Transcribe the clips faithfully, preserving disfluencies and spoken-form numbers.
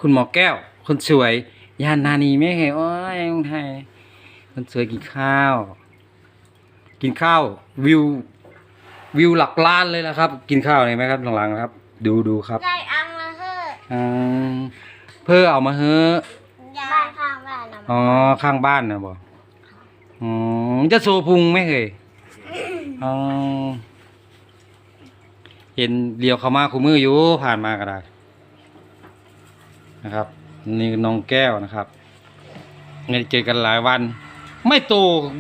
คุณหมอแก้วคนสวยยานนานีไม่เห็นโอ้ยคนไทยคนสวยกินข้าว กินข้าววิววิวหลักล้านเลยนะครับ กินข้าวเห็นไหมครับหลังๆนะครับ ดูดูครับได้อังละเฮ้ออืมเพื่อเอามาเฮ้อบ้านข้างบ้านนะอ๋อข้างบ้านนะบอกอ๋อจะโซพุงไหมเคยอ๋อเห็นเลี้ยวเข้ามาคู่มืออยู่ผ่านมาก็ได้นะครับนี่น้องแก้วนะครับไม่ได้เจอกันหลายวัน ไม่โต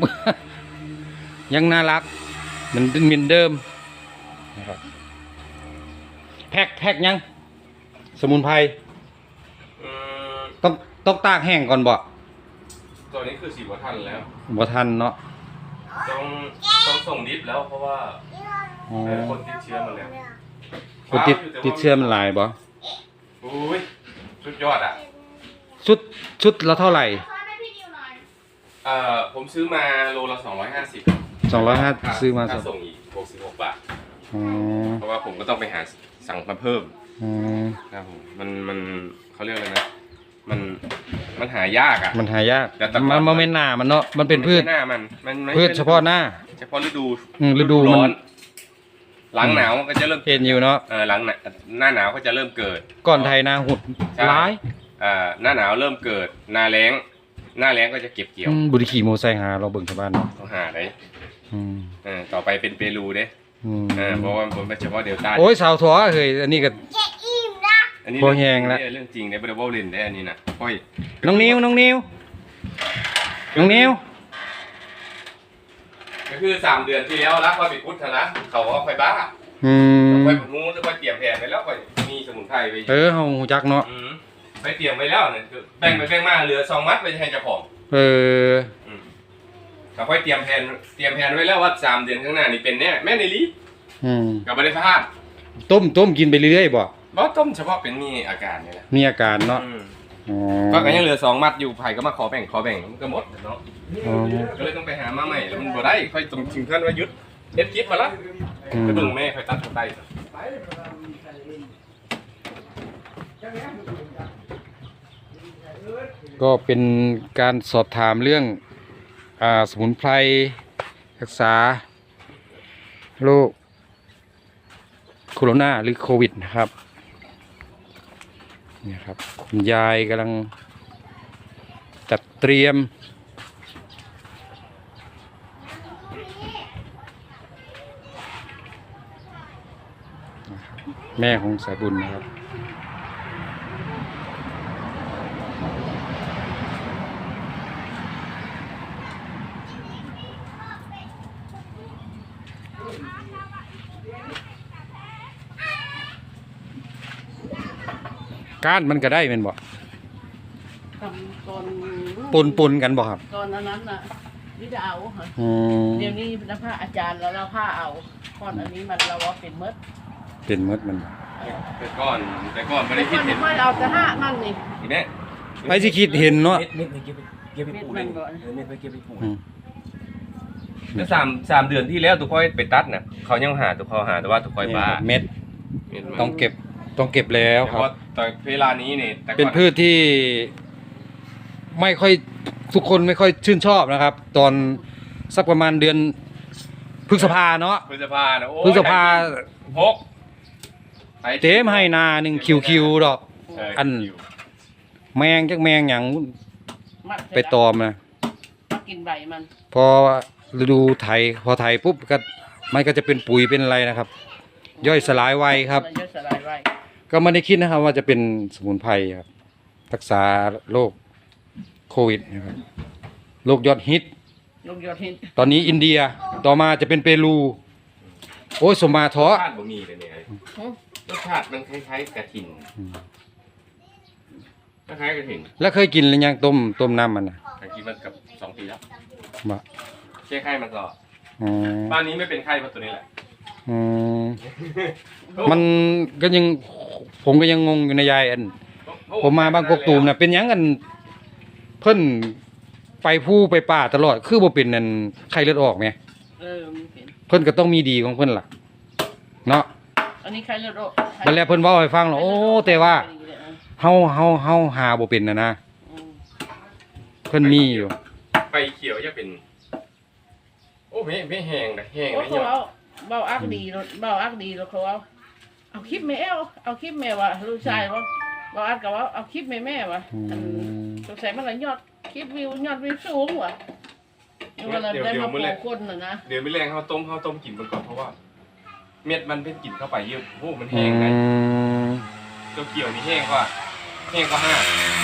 ยังน่ารักเหมือนเหมือนเดิมนะครับแพ็กแพ็กยังสมุนไพรอืมต้องต้องตากแห้งก่อนบ่ตัวนี้คือสีบัวทันแล้วบ่ทันเนาะต้องต้องส่งดิฟแล้วเพราะว่าอ๋อเออคนติดเชื้อมาแล้วคนติดติดเชื้อมันหลายบ่อุ้ยสุดยอดอ่ะชุดชุดละเท่าไหร่เอ่อผมซื้อมาโลละสองร้อยห้าสิบสองร้อยห้าซื้อมาค่าสองส่งอีกหกสิบหกบาทอ๋อเพราะว่าผมก็ต้องไปหาสั่งมาเพิ่มอืมนะครับผมมันมันเขาเรียกอะไรนะมันมันหายากอ่ะมันหายากแต่แต่มันมันไม่หนามันเนาะมันเป็นพืชไม่ใช่หน้ามันมันไม่พืชเฉพาะหน้าเฉพาะฤดูอืมฤดูมันร้อนหลังหนาวมันก็จะเริ่มเห็นอยู่เนาะเออหลังหนาหน้าหนาวก็จะเริ่มเกิดก่อนไทยนาหุดใช่ร้ายอ่าหน้าหนาวเริ่มเกิดหน้าแล้งหน้าแล้งก็จะเก็บเกี่ยวอืมบุรีขี่โมไซค์หาเราเบิ่งชาวบ้านเนาะต้องหาได้อืมเออต่อไปเป็นเปรูเด้อืมเออเพราะว่าผมเป็นเฉพาะเดลต้าโอ้ยสาวถั่วเฮ้ยอันนี้ก็จะอิ่มนะอันนี้พอแห้งแล้วเรื่องจริงได้บริวารเล่นได้อันนี้นะค่อยน้องนิวน้องนิวน้องนิวก็คือสามเดือนที่แล้วรักค่อยไปพุทธนะเขาว่าค่อยบ้าอืมค่อยผงูค่อยเตรียมแผนไปแล้วค่อยมีสมุนไพรไปเออเฮาฮู้จักเนาะอืมไปเตรียมไปแล้วเนี่ยคือแบ่งไปแบ่งมาเหลือสองมัดไปให้เจ้าของเอออืมเราค่อยเตรียมแผนเตรียมแผนไว้แล้วว่าสามเดือนข้างหน้านี่เป็นแน่แม่ในลีอืมกับบริษัทต้มต้มกินไปเรื่อยๆบ่บอต้มเฉพาะเป็นมีอาการเนี่ยนะมีอาการเนาะอืมอ๋อก็ยังเหลือสองมัดอยู่ไผ่ก็มาขอแบ่งขอแบ่งมันก็หมดเนาะอ๋อก็เลยต้องไปหามาใหม่แล้วมันบ่ได้ค่อยต้องถึงขั้นว่าหยุดเฮ็ดคลิปมาละอืมไปเบิ่งแม่ค่อยตัดคนใต้ก็เป็นการสอบถามเรื่องอ่าสมุนไพรรักษาโรคโคโรนาหรือโควิดนะครับเนี่ยครับคุณยายกำลังจัดเตรียมนะครับแม่ของสายบุญนะครับก้านมันก็ได้เป็นบ่ทำตอนปนปนกันบ่ครับตอนนั้นน่ะวิดาเอาค่ะอืมเดี๋ยวนี้เป็นผ้าอาจารย์แล้วเราผ้าเอาก่อนอันนี้มันเราว่าเป็นเมดเป็นมดมันแต่ก่อนแต่ก่อนไม่ได้คิดเห็นไม่เอาแต่ห้ามันนี่อีแม่ไปสิคิดเห็นเนาะเม็ดเม็ดไปเก็บไปเก็บไปปลูกเลยเม็ดมันก่อนเออเม็ดไปเก็บไปปลูกอืมแล้วสามสามเดือนที่แล้วตุกค่อยไปตัดน่ะเขายังหาตุกเขาหาแต่ว่าตุกค่อยบ้าเม็ดเม็ดมันต้องเก็บต้องเก็บแล้วเพครัราะบว่าตอนเวลานี้เนี่ยแต่ก่อเป็นพืชที่ไม่ค่อยทุกคนไม่ค่อยชื่นชอบนะครับ ตอนสักประมาณเดือนพฤษภาเนาะพฤษภานะโอ้ยพฤษภาหกเต็มให้นาหนึ่งคิวคิวดอกเอัน แมงจักแมงอย่างมัดไปตอมนะมากินใบมันพอฤดูไถพอไถปุ๊บก็มันก็จะเป็นปุ๋ยเป็นอะไรนะครับ ย่อยสลายไวครับมันย่อยสลายไว้ก็ไม่ได้คิดนะครับว่าจะเป็นสมุนไพรครับรักษาโรคโควิดนะครับโรคยอดฮิตลูกยอดหินตอนนี้อินเดียต่อมาจะเป็นเปรู โอ้ยสมมาท้อรสชาติบะหมี่เลยเนี่ยหึรสชาติมันคล้ายๆกระถิ่นคล้ายๆกระถิ่นแล้วเคยกินหรือยังต้มต้มน้ำมันนะแต่กินมันกับสองปีแล้วบ่แค่ไข้มันก็อ๋อบ้านนี้ไม่เป็นไข้เพราะตัวนี้แหละอืมมันก็ยังผมก็ยังงงอยู่ในยายอัน ผมมาบางกอกตูมน่ะเป็นหยังกันเพิ่นไปผู้ไปป่าตลอดคือบ่เป็นนั่นไข้เลือดออกแหมเออมันเป็นเพิ่นก็ต้องมีดีของเพิ่นล่ะเนาะอันนี้ใครเลือดออกบัดแล้วเพิ่นเว้าให้ฟังแล้วโอ้แต่ว่าเฮาเฮาเฮาหาบ่เป็นน่ะนะอืมเพิ่นมีอยู่ไปเขียวจะเป็น โอ้ไม่ไม่แห้งนะแห้งโอ้นะเขาเนี่ยเอาเบาอักดีรถเบาอักดีรถเขาเอาเอาคลิปแม่เอาเอาคลิปแม่ว่ะลูกชายว่าเบาอักก็ว่าเอาคลิปแม่แม่ว่ะอือันมสงสัยมันละยอดคลิปวิวยอดวิวสูงว่ะนี่ว่าเราได้มาโปรคนน่ะนะเดี๋ยวไม่แรงเขาต้มเขาต้มกินมันก่อนเพราะว่า เม็ดมันเป็นกลิ่นเข้าไปเยอะโอ้มันอืแห้งนะมเจ้าเกี่ยวนี่แห้งกว่าแห้งกว่าห้า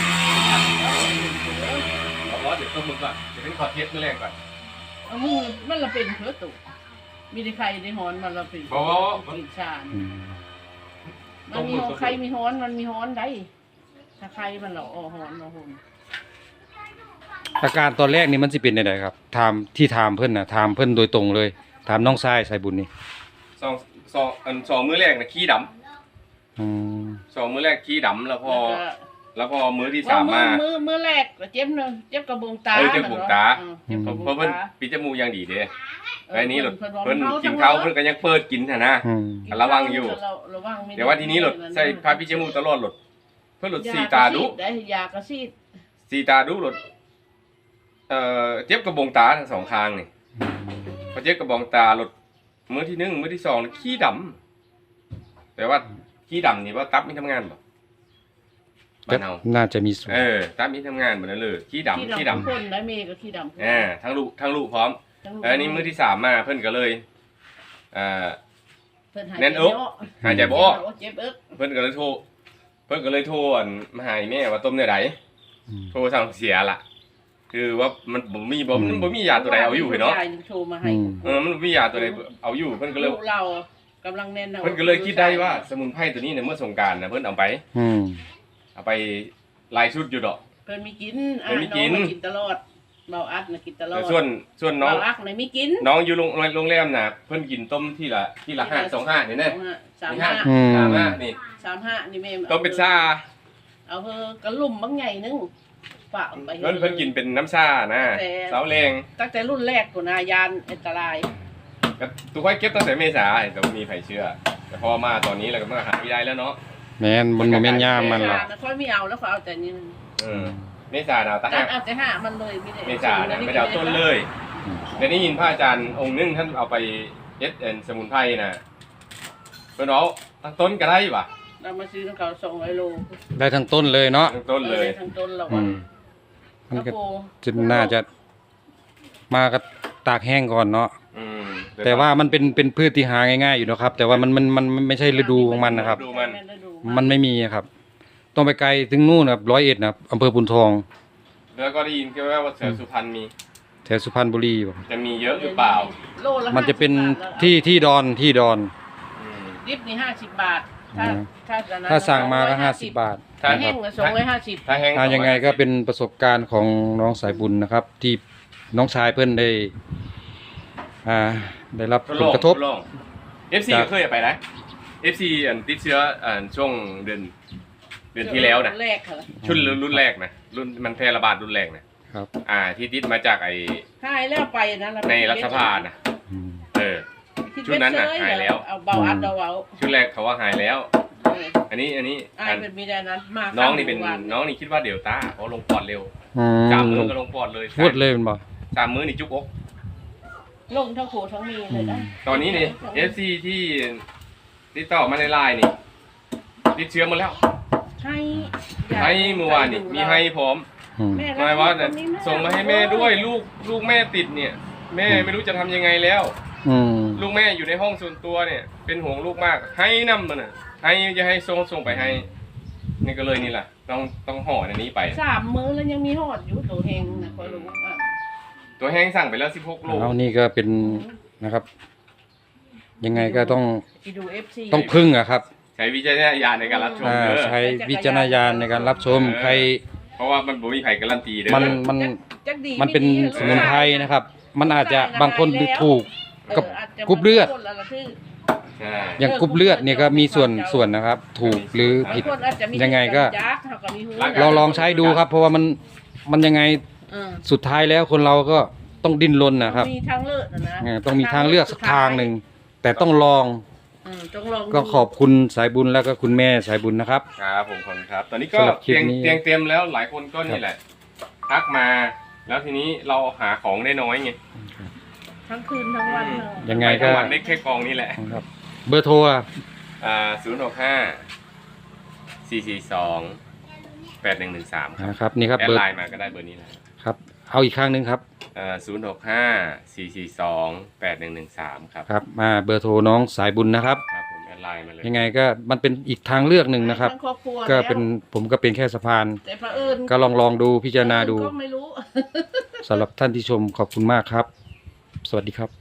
เอาล้อเดี๋ยวต้มมึงก่อนเดี๋ยวเป็นขอเทสไม่แรงก่อนเอามือมันละเป็นเพื่อตุมีแต่ไข่ในหอนมันละเป็นบอกว่ากินชาญอืมมันมีไข่มีหอนมันมีหอนได้ถ้าไข่มันละอ๋อหอนละหนอาการตอนแรกนี่มันสิเป็นจังไดครับถามที่ถามเพิ่นน่ะถามเพิ่นโดยตรงเลย ถามน้องชายสายบุญนี่สองสองอันสองมื้อแรกนะขี้ดอืมำสองมื้อแรกขี้ดำแล้วพอแล้วก็แล้วพอมื้อที่สามมามือมือแรกก็เจ็บเนอะเจ็บกระบวงตาเออเจ็บกระบวงตาเออเจ็บกระบเพวราะงเพิ่นตาปิดจมูกอย่างดีเด้เออไอ้นี้หลดเพิ่นว่าเพิ่นมันเมากินจังข้าววะเพิ่นก็ยังเปิดกินหั่นนะอืมระวังอยู่เราระวังไม่ได้แต่ว่าทีนี้หลดใส่ผ้าปิดจมูกตลอดหลดเพิ่นหลดสีตาดุได้ยากระซีดสีตาดุหลดเอ่อเจ็บกระบองตาทั้งสองข้างนี่พอเจ็บกระบองตาหลดมื้อที่หนึ่งมื้อที่สองนี่ขี้ดำแต่ว่าขี้ดำนี่ว่าตับไม่ทำงานบ่บ้านเฮาน่าจะมีส่วนเออตับไม่ทำงานบ่นั่นเลยขี้ดำขี้ดำคนได้เมย์ก็ขี้ดำคนอ่าทั้งลูกทั้งลูกพร้อมทั้งลูกเออนี่มื้อที่สามมาเพิ่นก็เลยเอ่อเพิ่นหายแน่นอก หายใจบ่ออกเจ็บเอิกเพิ่นก็เลยโทรเพิ่นก็เลยโทรอั่นมาหาแม่ว่าต้มเนื้อใดอืมโทรสั่งเสียล่ะ คือว่ามันบ่มีบ่มันบ่มียาตัวใดเอาอยู่เนาะยายโทรมาให้อืมเออมันบ่มียาตัวใดเอาอยู่เพิ่นก็เลยลูกเรากำลังแน่นเพิ่นก็เลยคิดได้ว่าสมุนไพรตัวนี้เนี่ยเมื่อสงกรานต์น่ะเพิ่นเอาไปอืมเอาไปหลายชุดอยู่ดอกเพิ่นมีกินเพิ่นมีกินอ่ะองากินตลอดเบาอัดน่ะกินตลอแต่ดส่วนส่วนน้องเบาอักน่ะมีกินน้องอยู่โรงโรงแรมน่ะเพิ่นกินต้มที่ละที่ละห้าสองห้านี่แน่สามห้าอืมสามห้านี่สามห้านี่แม่ต้มเป็นชาเอาเฮอกระลุ่มบางใหญ่นึงฝากไปเพิ่นเพิ่นกินเป็นน้ำชานะเสาแรงตั้งแต่รุ่นแรกกูนายานอันตรายก็ตัวค่อยเก็บตั้งแต่เมษาแต่บ่มีใครเชื่อ แต่พอมาตอนนี้แล้วก็มาหาไม่ได้แล้วเนาะแม่นมันบ่แม่นยามมันหรอกเษค่อยไม่เอาแล้วเขาเอาแต่นี่เออเมษาหนาวตะตัหัดกเอาแต่ห้ามันเลยไม่ได้เมษาเนี่ยไม่ได้เอาต้นเลยอืมเดี๋ยวนี้ยินพระอาจารย์องค์นึงท่านเอาไปเอ็ดเอ็นสมุนไพรน่ะเพิ่นเอาทั้งต้นก็ได้ป่ะเรามาซื้อของเขาสองร้อยโลได้ทั้งต้นเลยเนาะทั้งต้นเลยทั้งต้นเราอือะมมันก็กระโปรงจะน่าจะมาก็ตากแห้งก่อนเนาะอืมแต่ว่ามันเป็นเป็นพืชที่หาง่ายๆอยู่นะครับ แต่ว่ามันมันมันมันไม่ใช่ฤดูของมันนะครับดูมันมันไม่มีครับ ต้องไปไกลถึงนู่นนะครับร้อยเอ็ดนะครับอำเภอปุนทองแล้วก็ได้ยินแค่ว่าเสือสุพรรณมีแถวสุพรรณบุรีบ่จะมีเยอะหรือเปล่าโลละมันจะเป็นห้าสิบบาทแล้วที่ที่ดอนที่ดอนอืมดิบนี่ห้าสิบบาท ถ้าอืมถ้าจะนั้นถ้าสั่งมาก็สองร้อยห้าสิบบาทถ้าแห้งก็สองร้อยห้าสิบถ้าแห้งถ้ายังไงก็เป็นประสบการณ์ของน้องสายบุญนะครับ ที่น้องชายเพื่อนได้ อ่า ได้รับทดผลลองกระทบทดลอง เอฟ ซีจากก็เคยไปนะ เอฟ ซี อันติดเชื้ออันช่วงเดือนเดือนที่แล้วนะแรกค่ะชุดรุ่นแรกนะรุ่นมันแพร่ระบาดรุ่นแรกนะครับ อ่า ที่ติดมาจากไอหายแล้วไปนะเราในรัฐสภานะอืมเออ ชุดนั้นน่ะหายแล้วเอาเบาอัดเอาเอาชุดแรกเขาว่าหายแล้วเอออันนี้อันนี้อายอันเป็นมีแต่นั้นมากน้องนี่เป็นวัน้องนี่คิดว่าเดลต้าเพราะลงปอดเร็วอืสามมมื้อก็ลงปอดเลยพูดเลยเป็นบ่สามมื้อนี่จุกอกลงทั้งโขทั้งมีเลยนะตอนนี้นี่ เอฟ ซี ที่ติดต่อมาในไลน์นี่ติดเชื้อหมดแล้วให้ให้เมื่อวานนี่มีให้พร้อมอืมแม่หมายว่าเนี่ยคนนี้แส่งมาให้แม่ด้วยลูกลูกแม่ติดเนี่ย แม่ไม่รู้จะทำยังไงแล้วอืมลูกแม่อยู่ในห้องส่วนตัวเนี่ย เป็นห่วงลูกมาก ให้นำมันน่ะให้จะให้ส่งส่งไปให้ นี่ก็เลยนี่แหละต้องต้องห่อในนี้ไปสามมื้อแล้วยังมีหอดอยู่ตัวเฮงนะคอยรู้อ่ะตัวแห้งสั่งไปแล้วสิบหกโลเอานี่ก็เป็นนะครับ ยังไงก็ต้องไปดู เอฟ ซีต้องพึ่งอะครับใช้วิจารณญาณในการรับชมอ่าเด้อใช้วิจารณญาณในการรับชม ใครเพราะว่ามันบ่มีใครการันตีเด้อมันมันจักดีมันเป็นไดีสมุนไพรนะครับ มันอาจจะบางคนดูถูกเออกับอาจจะกรุ๊ปเลือดบางคนละละที่ใช่อย่างกรุ๊ปเลือดเนี่ยก็มีส่วนส่วนนะครับ ถูกหรือผิดบางคนอาจจะมียังไงก็ยักษ์เขาก็มีหูเราลองใช้ดูครับ เพราะว่ามันมันยังไงเออสุดท้ายแล้วคนเราก็ต้องดิ้นรนนะครับมีทางเลือกนะนะเออต้องมีทางเลือกสักทางหนึ่งแต่ต้องลองอืมจงลองดูก็ขอบคุณสายบุญแล้วก็คุณแม่สายบุญนะครับครับผมขอบคุณครับ ตอนนี้ก็สำหรับคลิปเตียงนี้เตียงเต็มแล้วหลายคนก็นี่แหละทักมา แล้วทีนี้เราหาของได้น้อยไงทั้งคืนทั้งวันเนอะยังไงก็ทั้งวันได้แค่กองนี้แหละครับ เบอร์โทรอะอ่าศูนย์หกห้าสี่สี่สองแปดหนึ่งหนึ่งสามครับนะครับนี่ครับแอดเบอร์ไลน์มาก็ได้เบอร์นี้แหละครับ เอาอีกครั้งหนึ่งครับอ่าศูนย์หกห้าสี่สี่สองแปดหนึ่งหนึ่งสามครับครับ มาเบอร์โทรน้องสายบุญนะครับครับผมแอดไลน์มาเลยยังไงก็มันเป็นอีกทางเลือกหนึ่งนะครับทั้งครอบครัวก็แล้วเป็นผมก็เป็นแค่สะพานแต่พระเอิญก็ลองลองดูพิจารณาดูก็ไม่รู้สำหรับท่านที่ชมขอบคุณมากครับ สวัสดีครับ